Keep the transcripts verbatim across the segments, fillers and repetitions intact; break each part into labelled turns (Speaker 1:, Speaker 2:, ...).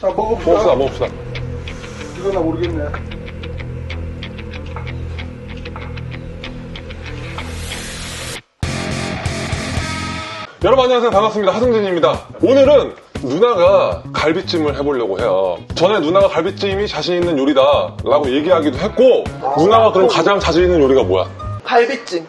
Speaker 1: 자, 먹어봅시다.
Speaker 2: 먹읍시다, 먹읍시다.
Speaker 1: 이거 나 모르겠네.
Speaker 2: 여러분 안녕하세요. 반갑습니다. 하승진입니다. 오늘은 누나가 갈비찜을 해보려고 해요. 전에 누나가 갈비찜이 자신 있는 요리다 라고 얘기하기도 했고, 아, 누나가 그럼 가장 자신 있는 요리가 뭐야?
Speaker 3: 갈비찜.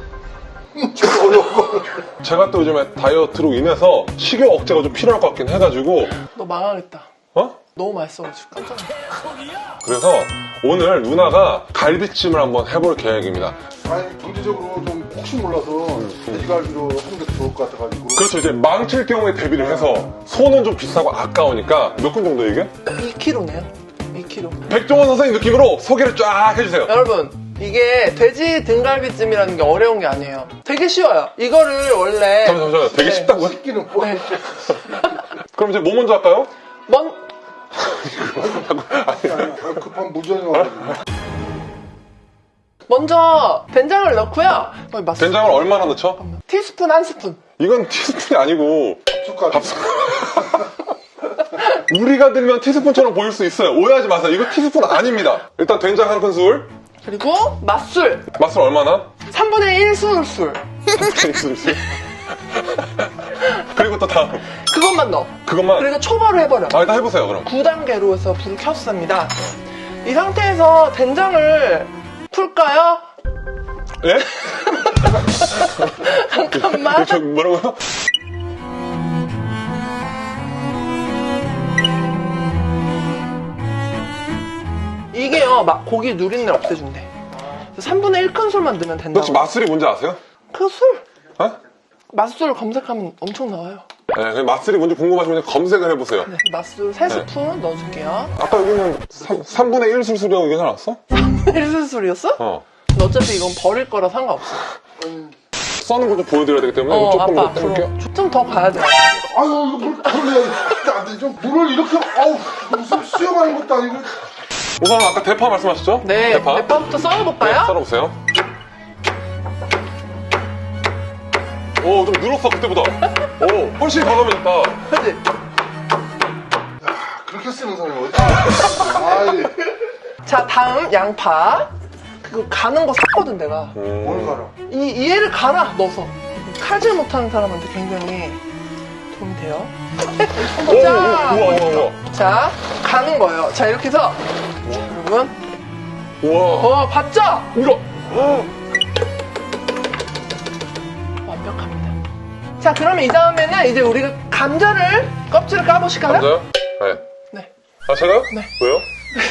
Speaker 2: 제가 또 요즘에 다이어트로 인해서 식욕 억제가 좀 필요할 것 같긴 해가지고.
Speaker 3: 너 망하겠다.
Speaker 2: 어?
Speaker 3: 너무 맛있어가지고 깜짝 놀랐어.
Speaker 2: 그래서 오늘 누나가 갈비찜을 한번 해볼 계획입니다.
Speaker 1: 아니, 문제적으로 좀 혹시 몰라서 돼지갈비로 하는 게 좋을 것 같아가지고.
Speaker 2: 그렇죠. 이제 망칠 경우에 대비를 해서 소는 좀 비싸고 아까우니까 몇 근 정도 이게?
Speaker 3: 이 킬로그램네요. 이 킬로그램.
Speaker 2: 백종원 선생님 느낌으로 소개를 쫙 해주세요.
Speaker 3: 여러분, 이게 돼지 등갈비찜이라는 게 어려운 게 아니에요. 되게 쉬워요. 이거를 원래
Speaker 2: 잠시만, 잠시만. 되게
Speaker 3: 네.
Speaker 2: 쉽다고요?
Speaker 1: 식기는 뭐.
Speaker 3: 네.
Speaker 2: 그럼 이제 뭐 먼저 할까요?
Speaker 3: 먼
Speaker 1: 아니, 아니, 급한 무전이 와가지고.
Speaker 3: 먼저 된장을 넣고요. 어, 맛
Speaker 2: 된장을 얼마나 넣죠?
Speaker 3: 티스푼 한 스푼.
Speaker 2: 이건 티스푼이 아니고
Speaker 1: 숟가락.
Speaker 2: 밥숟 우리가 들면 티스푼처럼 보일 수 있어요. 오해하지 마세요. 이거 티스푼 아닙니다. 일단 된장 한 큰술.
Speaker 3: 그리고 맛술
Speaker 2: 맛술 얼마나?
Speaker 3: 삼분의 일 술술.
Speaker 2: 그리고 또 다음
Speaker 3: 그것만 넣어.
Speaker 2: 그것만.
Speaker 3: 그리고 초벌을 해버려.
Speaker 2: 아, 일단 해보세요 그럼.
Speaker 3: 구 단계로 해서 불을 켰습니다. 이 상태에서 된장을 풀까요?
Speaker 2: 예?
Speaker 3: 잠깐만.
Speaker 2: 저 뭐라고요?
Speaker 3: 이게요, 막 고기 누린내 없애준대. 삼분의 일 큰술만 넣으면 된다고.
Speaker 2: 혹시 맛술이 뭔지 아세요?
Speaker 3: 그 술?
Speaker 2: 어?
Speaker 3: 맛술 검색하면 엄청 나와요.
Speaker 2: 네, 그냥 맛술이 뭔지 궁금하시면 검색을 해보세요.
Speaker 3: 네, 맛술 세 스푼 넣어줄게요.
Speaker 2: 아까 여기는 삼분의 일 술술이라고 얘기해놨어?
Speaker 3: 일 술술이었어?
Speaker 2: 어.
Speaker 3: 근데 어차피 이건 버릴 거라 상관없어.
Speaker 2: 써는 거 좀 보여드려야 되기 때문에
Speaker 3: 어,
Speaker 2: 조금
Speaker 3: 아빠
Speaker 2: 더 떼볼게요.
Speaker 3: 앞으로 좀 더 가야 돼.
Speaker 1: 아유, 이거 물, 물을 내야 돼. 안 돼. 좀 물을 이렇게, 아우, 무슨 수영하는 것도 아니고.
Speaker 2: 우선 아까 대파 말씀하셨죠?
Speaker 3: 네,
Speaker 2: 대파.
Speaker 3: 대파부터
Speaker 2: 네,
Speaker 3: 썰어볼까요?
Speaker 2: 썰어보세요. 오, 좀 늘었어, 그때보다. 오, 훨씬 과감해졌다.
Speaker 3: 그치?
Speaker 1: 그렇게 쓰는 사람이 어디 있어? 아이,
Speaker 3: 자, 다음 양파. 그거 가는 거 샀거든, 내가.
Speaker 2: 음.
Speaker 1: 뭘 가라.
Speaker 3: 이, 이 애를 갈아, 넣어서. 칼질 못하는 사람한테 굉장히 도움이 돼요.
Speaker 2: 오, 오,
Speaker 3: 자,
Speaker 2: 우와, 우와, 우와.
Speaker 3: 자, 가는 거예요. 자, 이렇게 해서. 여러분.
Speaker 2: 우와.
Speaker 3: 어, 봤죠?
Speaker 2: 이거.
Speaker 3: 완벽합니다. 자, 그러면 이 다음에는 이제 우리가 감자를, 껍질을 까보실까요?
Speaker 2: 감자요? 네.
Speaker 3: 네.
Speaker 2: 아, 제가요?
Speaker 3: 네.
Speaker 2: 왜요?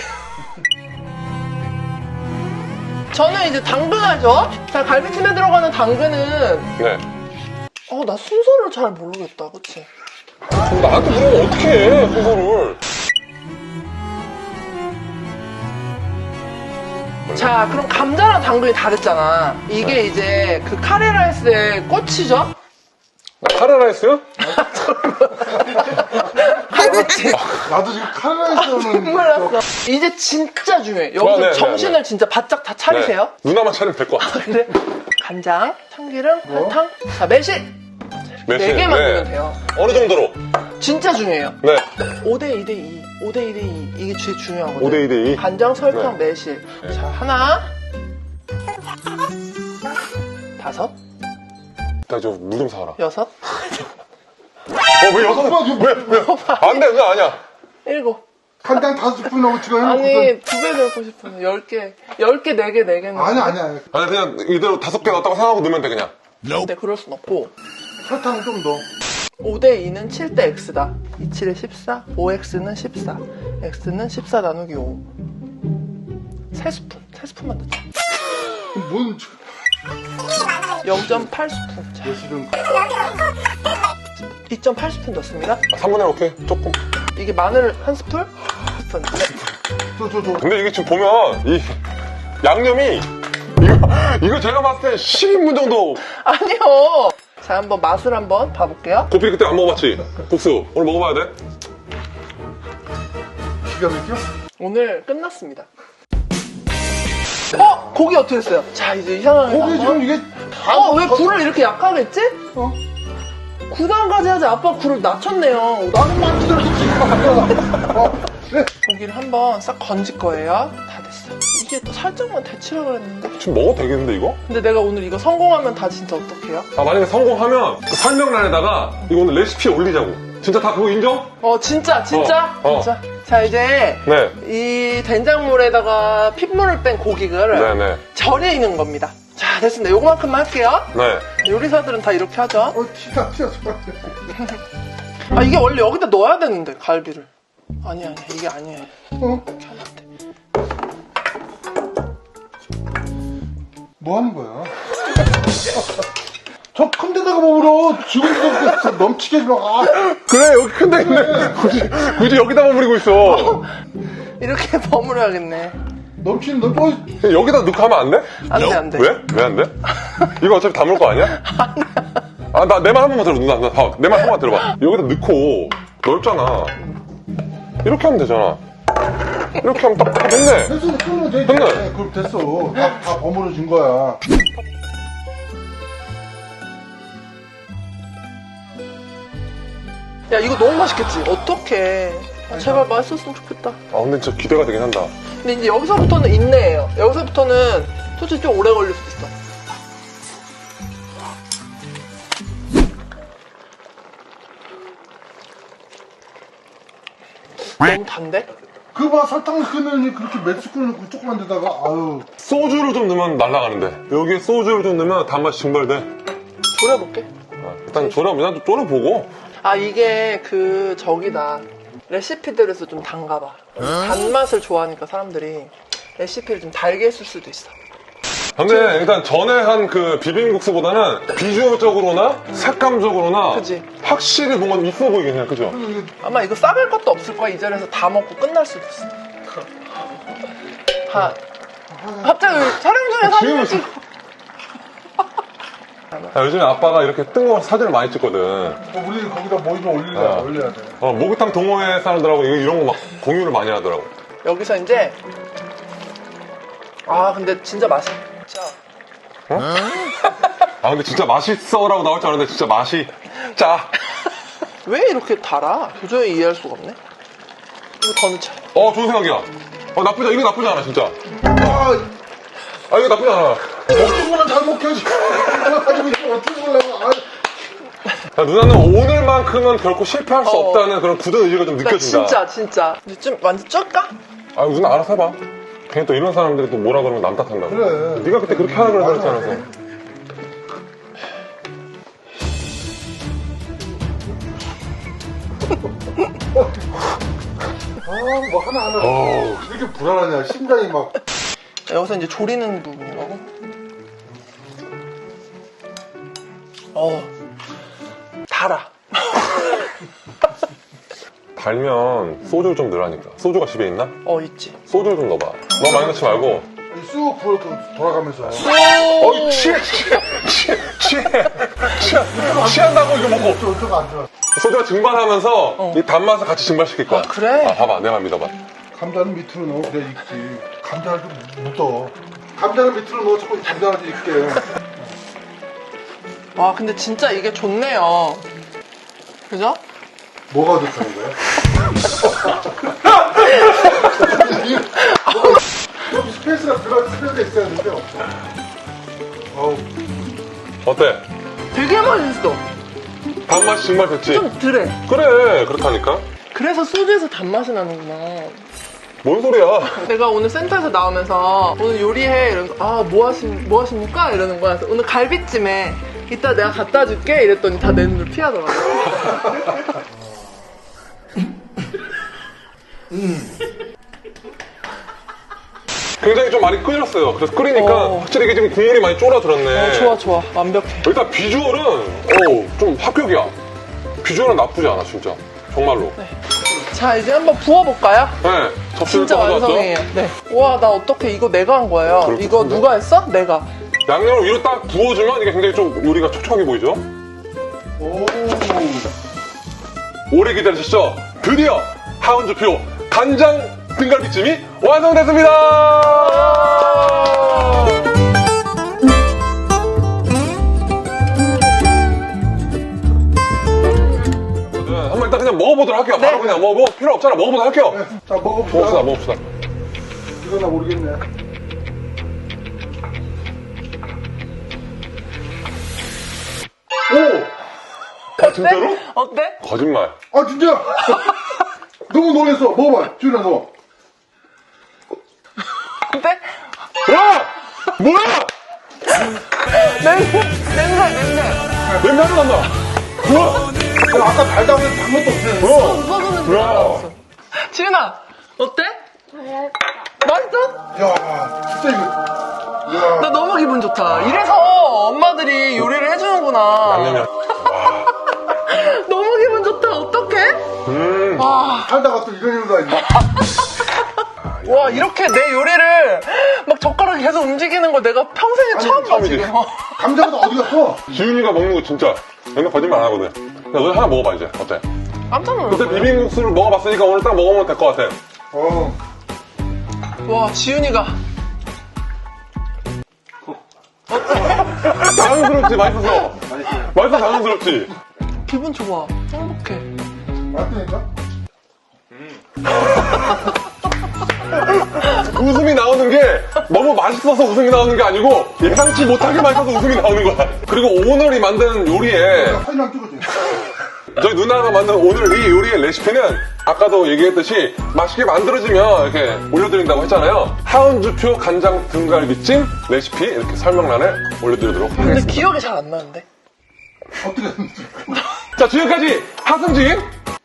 Speaker 3: 저는 이제 당근하죠? 자, 갈비찜에 들어가는 당근은,
Speaker 2: 네.
Speaker 3: 어, 나 순서를 잘 모르겠다, 그치?
Speaker 2: 그럼 나한테 물으면 어떻게 해, 그거를.
Speaker 3: 자, 그럼 감자랑 당근이 다르잖아. 이게
Speaker 2: 네.
Speaker 3: 이제 그 카레라이스의 꽃이죠?
Speaker 2: 나 카레라이스요?
Speaker 3: 갈비찜.
Speaker 1: 나도 지금 카레라이스는.
Speaker 3: 몰랐어. 이제 진짜 중요해. 여기서
Speaker 2: 아, 네,
Speaker 3: 정신을
Speaker 2: 네, 네.
Speaker 3: 진짜 바짝 다 차리세요.
Speaker 2: 네. 누나만 차리면 될 것 같아.
Speaker 3: 그래. 간장, 참기름,
Speaker 1: 뭐?
Speaker 3: 설탕, 자, 매실. 네 개만 넣으면 돼요.
Speaker 2: 어느 정도로?
Speaker 3: 진짜 중요해요.
Speaker 2: 네.
Speaker 3: 오 대 이 대 이. 오 대 이 대 이. 이게 제일 중요하거든요.
Speaker 2: 오 대 이 대 이.
Speaker 3: 간장, 설탕,
Speaker 2: 네.
Speaker 3: 매실.
Speaker 2: 네.
Speaker 3: 자, 하나. 다섯.
Speaker 2: 나 저 물 좀 사와라.
Speaker 3: 여섯.
Speaker 2: 어, 왜 여섯 번? 왜, 왜? 안 돼, 그거 아니야.
Speaker 3: 일곱.
Speaker 1: 간장 다섯 스푼 넣고 지금 해놓고.
Speaker 3: 아니, 두 배 넣고 싶어요. 열 개. 열 개, 네 개, 네 개는.
Speaker 1: 아니, 아니, 아니.
Speaker 2: 아니, 그냥 이대로 다섯 개 넣었다고 생각하고 넣으면 돼, 그냥.
Speaker 3: 근데 그럴 순 없고.
Speaker 1: 설탕 좀 넣어.
Speaker 3: 오 대 이는 칠 대 X다. 이십칠에 십사, 오 엑스는 십사, X는 십사 나누기 오. 세 스푼, 세 스푼만 넣자.
Speaker 1: 뭔,
Speaker 3: 영 점 팔 스푼. 자,
Speaker 1: 예술은.
Speaker 3: 이 점 팔 스푼 넣습니다.
Speaker 2: 아, 삼분의 일 오케이. 조금.
Speaker 3: 이게 마늘 한 스푼? 스푼. 네.
Speaker 1: 저, 저, 저.
Speaker 2: 근데 이게 지금 보면, 이, 양념이, 이거, 이거 제가 봤을 때 십 인분 정도.
Speaker 3: 아니요. 자, 한번 맛을 한번 봐볼게요.
Speaker 2: 고피 그때 안 먹어봤지? 국수. 오늘 먹어봐야 돼?
Speaker 1: 기가 막혀?
Speaker 3: 오늘 끝났습니다. 어? 고기 어떻게 됐어요? 자, 이제 이 상황에서
Speaker 1: 고기 지금
Speaker 3: 한번.
Speaker 1: 이게 다.
Speaker 3: 어, 왜 불을 이렇게 약하게 했지?
Speaker 1: 어?
Speaker 3: 구 단까지 하지. 아빠 굴을 낮췄네요. 나는
Speaker 1: 만지더라도 지금 어, 네.
Speaker 3: 고기를 한번 싹 건질 거예요. 다 됐어. 이게 또 살짝만 데치라 그랬는데.
Speaker 2: 지금 먹어도 되겠는데 이거?
Speaker 3: 근데 내가 오늘 이거 성공하면 다 진짜 어떡해요?
Speaker 2: 아 만약에 성공하면 그 설명란에다가 이거 오늘 레시피 올리자고. 진짜 다 그거 인정?
Speaker 3: 어 진짜 진짜
Speaker 2: 어, 어.
Speaker 3: 진짜. 자 이제
Speaker 2: 네.
Speaker 3: 이 된장물에다가 핏물을 뺀 고기를
Speaker 2: 네네.
Speaker 3: 절이는 겁니다. 자 됐습니다. 요거만큼만 할게요.
Speaker 2: 네.
Speaker 3: 요리사들은 다 이렇게 하죠.
Speaker 1: 어, 티가 티가
Speaker 3: 아 이게 원래 여기다 넣어야 되는데 갈비를. 아니야 아니야 이게 아니에요.
Speaker 1: 어?
Speaker 3: 이렇게 하면 안 돼.
Speaker 1: 뭐 하는 거야? 저 큰 데다가 먹으러 지금도 넘치게 좀 아.
Speaker 2: 그래 여기 큰데 있네. 굳이 굳이 여기다 버무리고 있어.
Speaker 3: 이렇게 버무려야겠네.
Speaker 1: 넘치는 너 뭐?
Speaker 2: 여기다 넣고 하면 안 돼?
Speaker 3: 안 돼, 안 돼.
Speaker 2: 왜? 왜 안 돼? 이거 어차피 담을 거 아니야? 아, 나 내 말 한 번만 들어. 누나, 나 봐. 내 말 한 번만 들어봐. 여기다 넣고 넓잖아. 이렇게 하면 되잖아. 이렇게 하면 딱 됐네.
Speaker 1: 됐어, 그러면 돼.
Speaker 2: 됐네.
Speaker 1: 네, 그럼 됐어. 다, 다 버무려진 거야.
Speaker 3: 야 이거 너무 맛있겠지? 어떡해. 아, 제발 맛있었으면 좋겠다.
Speaker 2: 아, 근데 진짜 기대가 되긴 한다.
Speaker 3: 근데 이제 여기서부터는 인내예요. 여기서부터는 솔직히 좀 오래 걸릴 수도 있어. 너무 단데?
Speaker 1: 그봐 설탕 끓는 그렇게 몇 스푼 넣고 조그만 데다가 아유.
Speaker 2: 소주를 좀 넣으면 날아가는데. 여기에 소주를 좀 넣으면 단맛이 증발돼.
Speaker 3: 졸여볼게.
Speaker 2: 아, 일단 졸여, 일단 졸여보고.
Speaker 3: 아 이게 그 저기다. 레시피들에서 좀 단가봐. 단맛을 좋아하니까 사람들이 레시피를 좀 달게 했을 수도 있어.
Speaker 2: 근데 일단 전에 한 그 비빔국수보다는 비주얼적으로나 색감적으로나
Speaker 3: 그치.
Speaker 2: 확실히 뭔가 있어 보이긴 해. 그죠?
Speaker 3: 아마 이거 싸갈 것도 없을 거야. 이 자리에서 다 먹고 끝날 수도 있어. 하. 갑자기 촬영 중에 사진을
Speaker 2: 지금
Speaker 3: 찍고.
Speaker 2: 아, 요즘에 아빠가 이렇게 뜬금없이 사진을 많이 찍거든.
Speaker 1: 어, 우리 거기다 뭐 좀 올려야,
Speaker 2: 아.
Speaker 1: 올려야 돼.
Speaker 2: 어, 목욕탕 동호회 사람들하고 이거- 이런 거 막 공유를 많이 하더라고.
Speaker 3: 여기서 이제 아 근데 진짜 맛있어. 진짜.
Speaker 2: 아, 근데 진짜 맛있어라고 나올 줄 알았는데 진짜 맛이 짜.
Speaker 3: 왜 이렇게 달아? 도저히 이해할 수가 없네. 이거 더 넣자.
Speaker 2: 어, 좋은 생각이야. 어, 나쁘지, 이거 나쁘지 않아, 진짜.
Speaker 1: 아,
Speaker 2: 아, 이거 나쁘지 않아.
Speaker 1: 먹는 거는 잘 먹혀야지. 하나 가지고 있으면 어떻게 먹으려고. 아,
Speaker 2: 야, 누나는 오늘만큼은 결코 실패할 수
Speaker 3: 어.
Speaker 2: 없다는 그런 굳은 의지가 좀
Speaker 3: 나
Speaker 2: 느껴진다.
Speaker 3: 진짜 진짜. 근데 좀 완전 쩔까?
Speaker 2: 아, 누나 알아서 해봐. 괜히 또 이런 사람들이 또 뭐라 그러면 남 탓한다고.
Speaker 1: 그래.
Speaker 2: 네가 그때 그렇게 하라 그랬다
Speaker 1: 맞아.
Speaker 2: 그랬잖아.
Speaker 1: 아, 뭐 하나 하나.
Speaker 2: 어우.
Speaker 1: 이렇게 불안하냐. 심장이 막.
Speaker 3: 여기서 이제 조리는 부분이라고. 어 달아.
Speaker 2: 달면 소주를 좀 넣으라니까. 소주가 집에 있나?
Speaker 3: 어 있지.
Speaker 2: 소주를 좀 넣어봐. 너무 많이 넣지 말고.
Speaker 1: 쑥 불어 돌아가면서.
Speaker 2: 어이, 취해, 취해, 취해, 취해, 취해, 취한다고 이거 먹고.
Speaker 1: 어쩌가 안 좋아.
Speaker 2: 소주가 증발하면서 이 단맛을 같이 증발시킬 거야.
Speaker 3: 아, 그래?
Speaker 2: 아, 봐봐. 내 말 믿어봐.
Speaker 1: 감자는 밑으로 넣어. 그래, 익지. 감자를 좀 묻어. 감자는 밑으로 넣어. 자꾸 감자를 좀 익게.
Speaker 3: 와 근데 진짜 이게 좋네요. 그죠?
Speaker 1: 뭐가 좋다는 거야? 여기 스페이스가 들어갈 스페이스가 있어야 되는데 없어. 어우,
Speaker 2: 어때?
Speaker 3: 되게 맛있어.
Speaker 2: 단맛이 증발됐지?
Speaker 3: 좀 덜해.
Speaker 2: 그래, 그렇다니까.
Speaker 3: 그래서 소주에서 단맛이 나는구나.
Speaker 2: 뭔 소리야?
Speaker 3: 내가 오늘 센터에서 나오면서 오늘 요리해 이러면서 아 뭐 하시 뭐 하십니까 이러는 거야. 그래서 오늘 갈비찜에 이따 내가 갖다 줄게 이랬더니 다 내 눈을 피하더라고.
Speaker 2: 굉장히 좀 많이 끓였어요. 그래서 끓이니까
Speaker 3: 어.
Speaker 2: 확실히 이게 지금 국물이 많이 쫄아들었네.
Speaker 3: 어, 좋아 좋아 완벽해.
Speaker 2: 일단 비주얼은 어, 좀 합격이야. 비주얼은 나쁘지 않아, 진짜. 정말로. 네.
Speaker 3: 자 이제 한번 부어볼까요?
Speaker 2: 접시를
Speaker 3: 진짜
Speaker 2: 또 가져왔죠?
Speaker 3: 완성이에요. 네. 와 나 어떻게 이거 내가 한 거예요.
Speaker 2: 그렇군요.
Speaker 3: 이거 누가 했어? 내가.
Speaker 2: 양념을 위로 딱 부어주면 이게 굉장히 좀 요리가 촉촉하게 보이죠?
Speaker 1: 오.
Speaker 2: 오래 기다리셨죠? 드디어 하은주표 간장 등갈비찜이 완성됐습니다! 먹어보도록 할게요. 바로
Speaker 3: 네.
Speaker 2: 그냥 뭐, 뭐 필요 없잖아. 먹어보도록 할게요.
Speaker 1: 자, 먹어봅시다.
Speaker 2: 먹읍시다, 먹읍시다.
Speaker 1: 이거 나 모르겠네. 오!
Speaker 2: 아, 진짜로?
Speaker 3: 어때?
Speaker 2: 거짓말.
Speaker 1: 아, 진짜! 너무 놀랬어. 먹어봐. 지훈아, 너.
Speaker 3: 어때?
Speaker 2: 야! 뭐야!
Speaker 3: 냄새, 냄새, 냄새.
Speaker 2: 냄새 하나 난다. 우와!
Speaker 1: 야, 아까 달다고 해서 단 것도 없어.
Speaker 2: 어!
Speaker 3: 소금은
Speaker 2: 야.
Speaker 3: 들어갔어. 지은아, 어때? 맛있어?
Speaker 1: 야, 진짜 이거. 야.
Speaker 3: 나 너무 기분 좋다. 이래서 엄마들이 요리를 해주는구나.
Speaker 2: 양념이야.
Speaker 3: 너무 기분 좋다. 어떡해?
Speaker 2: 음.
Speaker 3: 와,
Speaker 1: 살다가 또 이런 일도 아니야.
Speaker 3: 와, 이렇게 내 요리를 막 젓가락이 계속 움직이는 거 내가 평생에 처음 봐,
Speaker 2: 처음이지.
Speaker 3: 지금.
Speaker 1: 감자가 어디 갔어?
Speaker 2: 지훈이가 먹는 거 진짜 맨날 거짓말 안 하거든. 야, 너 하나 먹어봐, 이제. 어때?
Speaker 3: 깜짝
Speaker 2: 그때
Speaker 3: 놀랐어.
Speaker 2: 비빔국수를 먹어봤으니까 오늘 딱 먹으면 될 것 같아.
Speaker 1: 어.
Speaker 3: 와, 지윤이가.
Speaker 2: 자연스럽지, 맛있어서. 맛있어, 자연스럽지.
Speaker 3: 기분 좋아. 행복해.
Speaker 1: 맞다니까?
Speaker 2: 웃음이 나오는 게 너무 맛있어서 웃음이 나오는 게 아니고 예상치 못하게 맛있어서 웃음이 나오는 거야. 그리고 오늘이 만든 요리에
Speaker 1: 사진 한 찍어줘.
Speaker 2: 저희 누나가 만든 오늘 이 요리의 레시피는 아까도 얘기했듯이 맛있게 만들어지면 이렇게 올려드린다고 했잖아요. 하은주표 간장 등갈비찜 레시피 이렇게 설명란에 올려드리도록
Speaker 3: 근데
Speaker 2: 하겠습니다.
Speaker 3: 기억이 잘 안 나는데.
Speaker 1: 어떻게 했는지.
Speaker 2: 자, 지금까지 하승진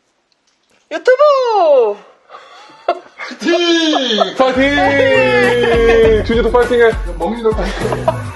Speaker 3: 유튜브!
Speaker 1: 티!
Speaker 2: 파이팅! 주제도 파이팅해.
Speaker 1: 먹는 걸 보니까.